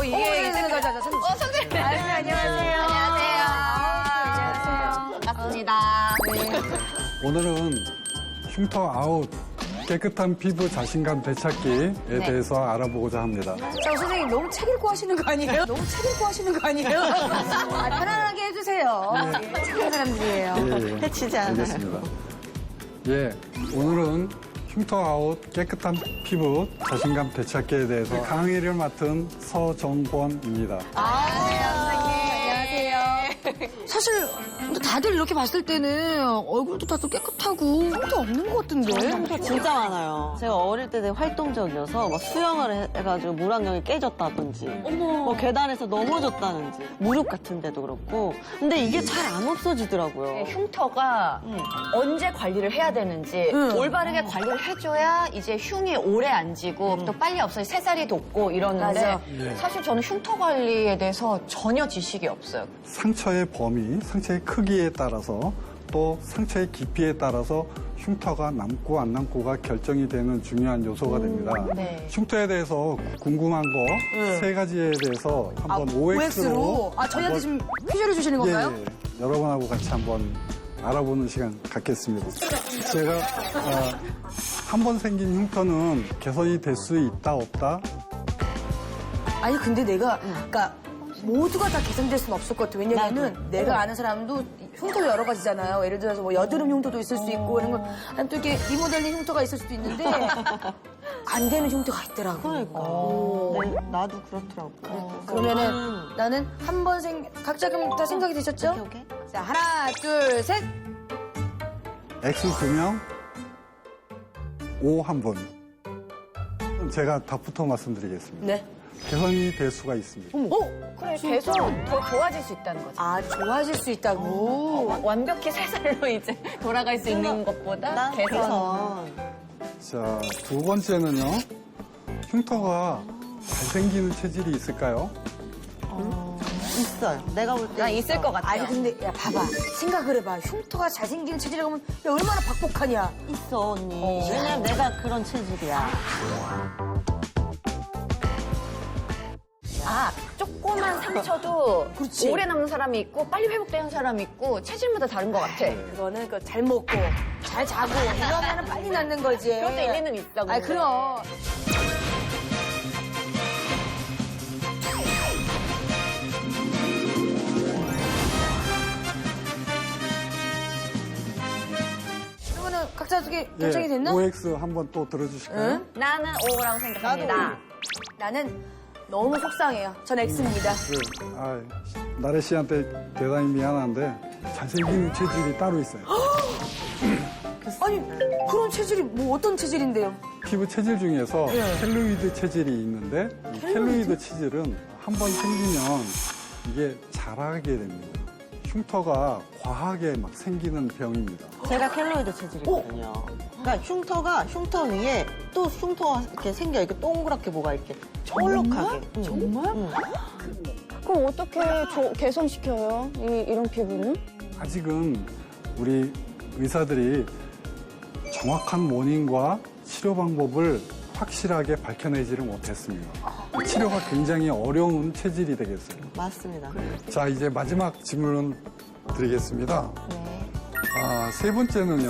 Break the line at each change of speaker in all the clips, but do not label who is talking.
이게
선생님.
안녕하세요.
안녕하세요. 반갑습니다.
오늘은 흉터 아웃, 깨끗한 피부 자신감 되찾기에 대해서 알아보고자 합니다.
자, 선생님 너무 책 읽고 하시는 거 아니에요? 너무 책 읽고 하시는 거 아니에요? 편안하게 해주세요. 착한 사람들이에요.
예,
해치지 않아요.
알겠습니다. 예, 오늘은 흉터 아웃, 깨끗한 피부 자신감 되찾기에 대해서 강의를 맡은 서정권입니다.
안녕하세요. 사실 다들 이렇게 봤을 때는 얼굴도 다 또 깨끗하고 흉터 없는 것 같은데.
흉터 진짜 많아요. 제가 어릴 때 되게 활동적이어서 막 수영을 해가지고 물안경이 깨졌다든지 뭐 계단에서 넘어졌다든지 무릎 같은 데도 그렇고 근데 이게 잘 안 없어지더라고요.
흉터가 언제 관리를 해야 되는지 올바르게 관리를 해줘야 이제 흉이 오래 안 지고 또 빨리 없어지 새살이 돋고 이러는데
맞아.
사실 저는 흉터 관리에 대해서 전혀 지식이 없어요.
상처의 범위, 상처의 크기에 따라서 또 상처의 깊이에 따라서 흉터가 남고 안 남고가 결정이 되는 중요한 요소가 됩니다.
네.
흉터에 대해서 궁금한 거 세 가지에 대해서 한번 OX로
저희한테 지금 퀴즈를 주시는 건가요?
예, 여러분하고 같이 한번 알아보는 시간 갖겠습니다. 제가 한 번 생긴 흉터는 개선이 될 수 있다 없다?
아니 근데 내가 그러니까 모두가 다 개선될 수는 없을 것 같아. 왜냐면은 내가 아는 사람도 흉터가 여러 가지잖아요. 예를 들어서 뭐 여드름 흉터도 있을 수 있고 이런 거. 아니면 또 이렇게 리모델링 흉터가 있을 수도 있는데 안 되는 흉터가 있더라고.
그러니까. 네, 나도 그렇더라고.
그러면은 나는 한 번 각자 그럼 다 생각이 되셨죠?
오케이.
자, 하나, 둘, 셋.
X 2명, O 1분. 제가 답부터 말씀드리겠습니다.
네.
개선이 될 수가 있습니다.
그래, 계속 더 좋아질 수 있다는 거지.
아, 좋아질 수 있다고.
완벽히 새살로 이제 돌아갈 수 있는 것보다
난
개선.
자, 두 번째는요. 흉터가 잘생기는 체질이 있을까요?
있어요. 내가 볼 때
난 있을 것 같아요.
아니, 근데, 야, 봐봐. 생각을 해봐. 흉터가 잘생기는 체질이라고 하면, 야, 얼마나 박복하냐.
있어 언니. 왜냐면 내가 그런 체질이야.
조그만 상처도
그렇지.
오래 남는 사람이 있고 빨리 회복되는 사람이 있고 체질마다 다른 것 같아.
그거는 잘 먹고, 잘 자고, 이러면은 빨리 낫는 거지.
그것도 일리는 있어. 근데.
아, 그럼. 그러면은 각자 어떻게 결정이 됐나?
OX 한번 또 들어주실까요?
응?
나는 O라고 생각합니다.
나는 너무 속상해요. 전 X입니다.
나래 씨한테 대단히 미안한데 잘생기는 체질이 따로 있어요.
아니, 그런 체질이 뭐 어떤 체질인데요?
피부 체질 중에서 켈로이드 체질이 있는데 이 켈로이드 체질은 한 번 생기면 이게 자라게 됩니다. 흉터가 과하게 막 생기는 병입니다.
제가 켈로이드 체질이거든요. 그러니까 흉터 위에 또 흉터가 이렇게 생겨 이렇게 동그랗게 뭐가 이렇게 철록하게.
정말? 그럼 어떻게 개선시켜요? 이런 피부는?
아직은 우리 의사들이 정확한 원인과 치료 방법을 확실하게 밝혀내지를 못했습니다. 치료가 굉장히 어려운 체질이 되겠어요.
맞습니다.
자, 이제 마지막 질문 드리겠습니다. 세 번째는요.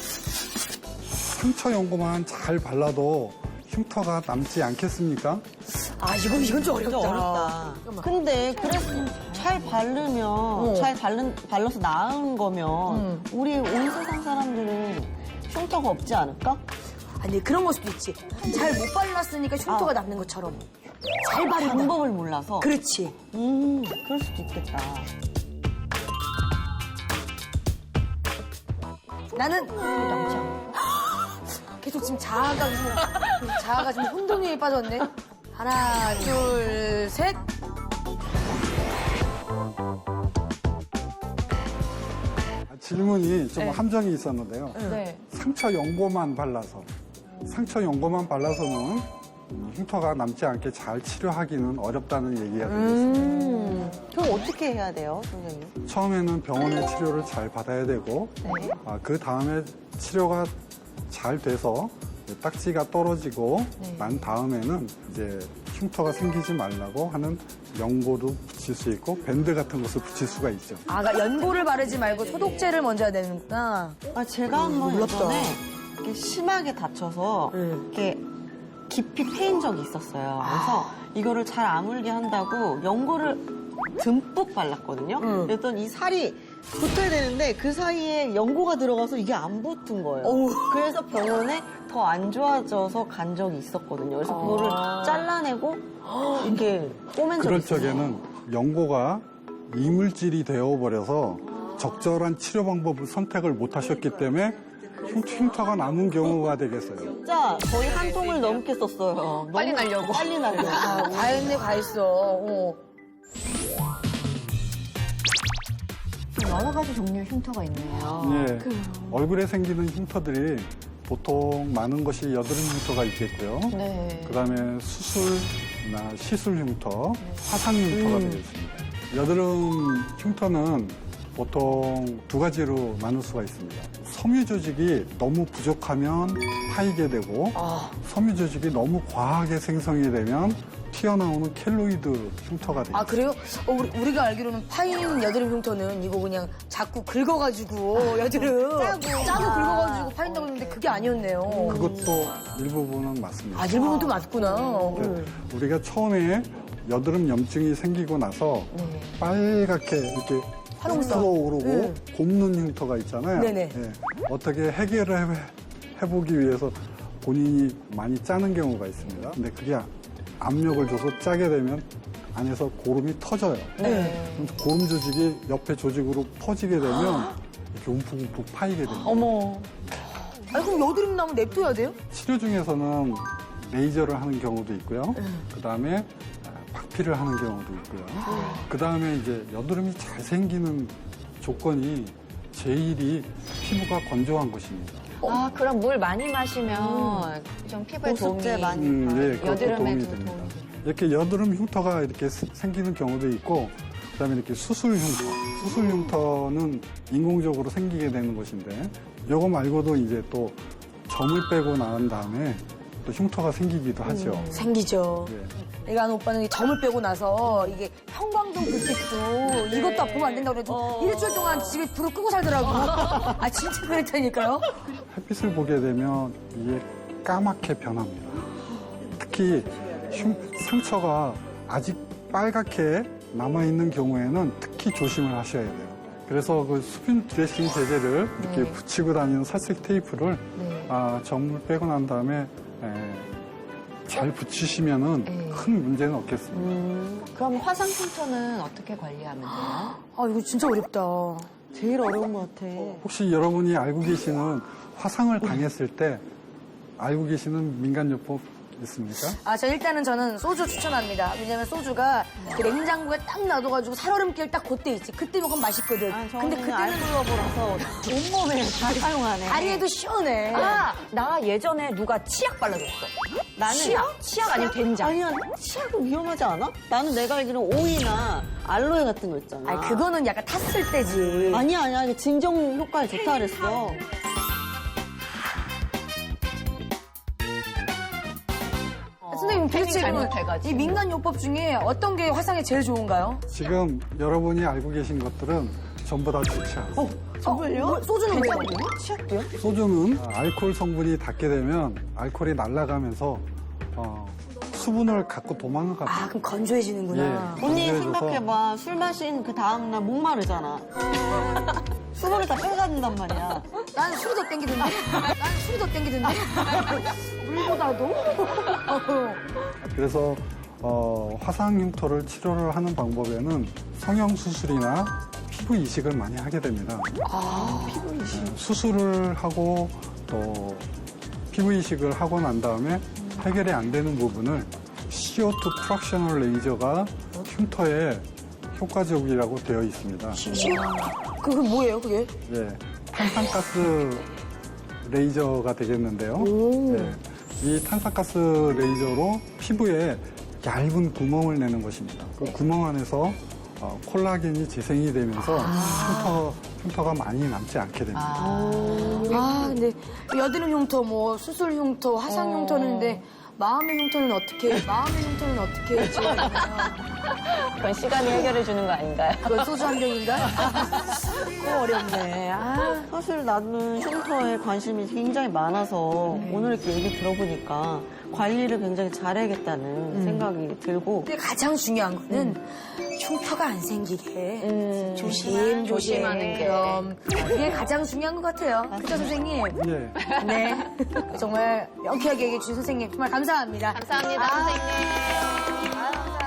상처 연고만 잘 발라도 흉터가 남지 않겠습니까?
아, 이건 좀
진짜
어렵다.
어렵다. 근데 그래서 잘 바르면 발라서 나은 거면 우리 온 세상 사람들은 흉터가 없지 않을까?
아니, 그런 걸 수도 있지. 잘 못 발랐으니까 흉터가 남는 것처럼. 잘 바르는
방법을 몰라서.
그렇지.
그럴 수도 있겠다.
나는 계속 지금 자아가 지금 혼돈에 빠졌네. 하나, 둘, 셋.
질문이 좀 함정이 있었는데요.
네.
상처 연고만 발라서는 흉터가 남지 않게 잘 치료하기는 어렵다는 얘기가 되겠습니다.
그럼 어떻게 해야 돼요, 선생님?
처음에는 병원의 치료를 잘 받아야 되고 그 다음에 치료가 잘 돼서 딱지가 떨어지고 난 다음에는 이제 흉터가 생기지 말라고 하는 연고도 붙일 수 있고 밴드 같은 것을 붙일 수가 있죠.
아, 그러니까 연고를 바르지 말고 소독제를 먼저 해야 되는구나.
아, 제가 한번
놀랍다.
예전에 이렇게 심하게 다쳐서 이렇게 깊이 패인 적이 있었어요. 그래서 이거를 잘 아물게 한다고 연고를 듬뿍 발랐거든요. 그랬더니 이 살이 붙어야 되는데 그 사이에 연고가 들어가서 이게 안 붙은 거예요. 그래서 병원에 더 안 좋아져서 간 적이 있었거든요. 그래서 그거를 잘라내고 이렇게 꼬맨 적이
그럴
있어요.
적에는 연고가 이물질이 되어버려서 적절한 치료 방법을 선택을 못 하셨기 때문에 흉터가 남은 경우가 되겠어요.
진짜 거의 한 통을 넘게 썼어요. 너무
빨리 날려고.
빨리 날려고.
아, 다 했네, 다 했어.
여러 가지 종류의 흉터가 있네요.
예, 얼굴에 생기는 흉터들이 보통 많은 것이 여드름 흉터가 있겠고요.
네.
그다음에 수술이나 시술 흉터, 화상 흉터가 되겠습니다. 여드름 흉터는 보통 두 가지로 나눌 수가 있습니다. 섬유 조직이 너무 부족하면 파이게 되고 섬유 조직이 너무 과하게 생성이 되면 튀어나오는 켈로이드 흉터가 되죠.
아, 그래요? 우리가 알기로는 파인 여드름 흉터는 이거 그냥 자꾸 긁어가지고 여드름 짜고 긁어가지고 파인다고 했는데 그게 아니었네요.
그것도 일부분은 맞습니다.
아, 일부분도 맞구나.
우리가 처음에 여드름 염증이 생기고 나서 빨갛게 이렇게
화농성.
오르고 곱는 흉터가 있잖아요.
네네.
예. 어떻게 해결을 해보기 위해서 본인이 많이 짜는 경우가 있습니다. 근데 그게 압력을 줘서 짜게 되면 안에서 고름이 터져요. 그럼 고름 조직이 옆에 조직으로 퍼지게 되면 이렇게 움푹움푹 파이게 됩니다.
아니, 그럼 여드름 나면 냅둬야 돼요?
치료 중에서는 레이저를 하는 경우도 있고요. 그 다음에 박피를 하는 경우도 있고요. 그 다음에 이제 여드름이 잘 생기는 조건이 제일이 피부가 건조한 것입니다.
아, 그럼 물 많이 마시면 좀 피부에
보습제
도움이
많이.
네, 그것도
여드름에도
도움이 됩니다. 이렇게 여드름 흉터가 이렇게 생기는 경우도 있고, 그다음에 이렇게 수술 흉터. 수술 흉터는 인공적으로 생기게 되는 것인데, 이거 말고도 이제 또 점을 빼고 나온 다음에 또 흉터가 생기기도 하죠.
생기죠.
예.
내가 아는 오빠는 이 점을 빼고 나서 이게 형광등 불빛도 이것도 보면 안 된다고 그래도 일주일 동안 집에 불을 끄고 살더라고. 아, 진짜 그랬다니까요?
햇빛을 보게 되면 이게 까맣게 변합니다. 특히 상처가 아직 빨갛게 남아있는 경우에는 특히 조심을 하셔야 돼요. 그래서 그 수분 드레싱 제제를 이렇게 붙이고 다니는 살색 테이프를 점을 빼고 난 다음에 잘 붙이시면은 큰 문제는 없겠습니다.
그럼 화상 흉터는 어떻게 관리하면 돼요?
아, 이거 진짜 어렵다.
제일 어려운 것 같아.
혹시 여러분이 알고 계시는 화상을 당했을 때 알고 계시는 민간요법 있습니까?
아, 저는 소주 추천합니다. 왜냐면 소주가 그 냉장고에 딱 놔둬가지고 살얼음길 딱 그때 있지. 그때 먹으면 맛있거든. 근데 그때는
알콜러브라서 온몸에 다 사용하네.
다리에도 시원해.
아, 나 예전에 누가 치약 발라줬어.
나는
치약 아니면 된장.
아니야, 치약은 위험하지 않아? 나는 내가 알기로는 오이나 알로에 같은 거 있잖아.
아니, 그거는 약간 탔을 때지.
아니야. 이게 진정 효과에 좋다 그랬어.
선생님, 도대체 그러면
잘못해가지고.
이 민간요법 중에 어떤 게 화상에 제일 좋은가요?
지금 여러분이 알고 계신 것들은 전부 다 좋지 않습니다.
정말요? 소주는 왜요?
치약도요?
소주는 알코올 성분이 닿게 되면 알코올이 날아가면서 수분을 갖고 도망갑니다.
아, 그럼 건조해지는구나.
예.
언니
건조해져서-
생각해봐. 술 마신 그 다음날 목마르잖아. 수분을 다 빼가는단 말이야.
난 술이 더 땡기던데? 물보다도?
그래서 화상 흉터를 치료를 하는 방법에는 성형 수술이나 피부 이식을 많이 하게 됩니다.
피부 이식.
수술을 하고 또 피부 이식을 하고 난 다음에 해결이 안 되는 부분을 CO2 프락셔널 레이저가 흉터에 효과적이라고 되어 있습니다.
그게 뭐예요, 그게?
예, 탄산가스 레이저가 되겠는데요. 예, 이 탄산가스 레이저로 피부에 얇은 구멍을 내는 것입니다. 그 구멍 안에서 콜라겐이 재생이 되면서 흉터가 많이 남지 않게 됩니다.
아, 근데 여드름 흉터, 뭐 수술 흉터, 화상 흉터는 근데 마음의 흉터는 어떻게 지워야 되나요?
그건 시간이 해결해 주는 거 아닌가요?
그건 소주 한 병인가? 그거 어렵네. 아.
사실 나는 흉터에 관심이 굉장히 많아서 오늘 이렇게 얘기 들어보니까 관리를 굉장히 잘해야겠다는 생각이 들고
근데 가장 중요한 거는 흉터가 안 생기게 조심조심
조심하는 게.
그럼 그게 가장 중요한 것 같아요. 그죠 선생님?
예.
네. 정말 명쾌하게 얘기해 주신 선생님 정말 감사합니다.
감사합니다, 선생님.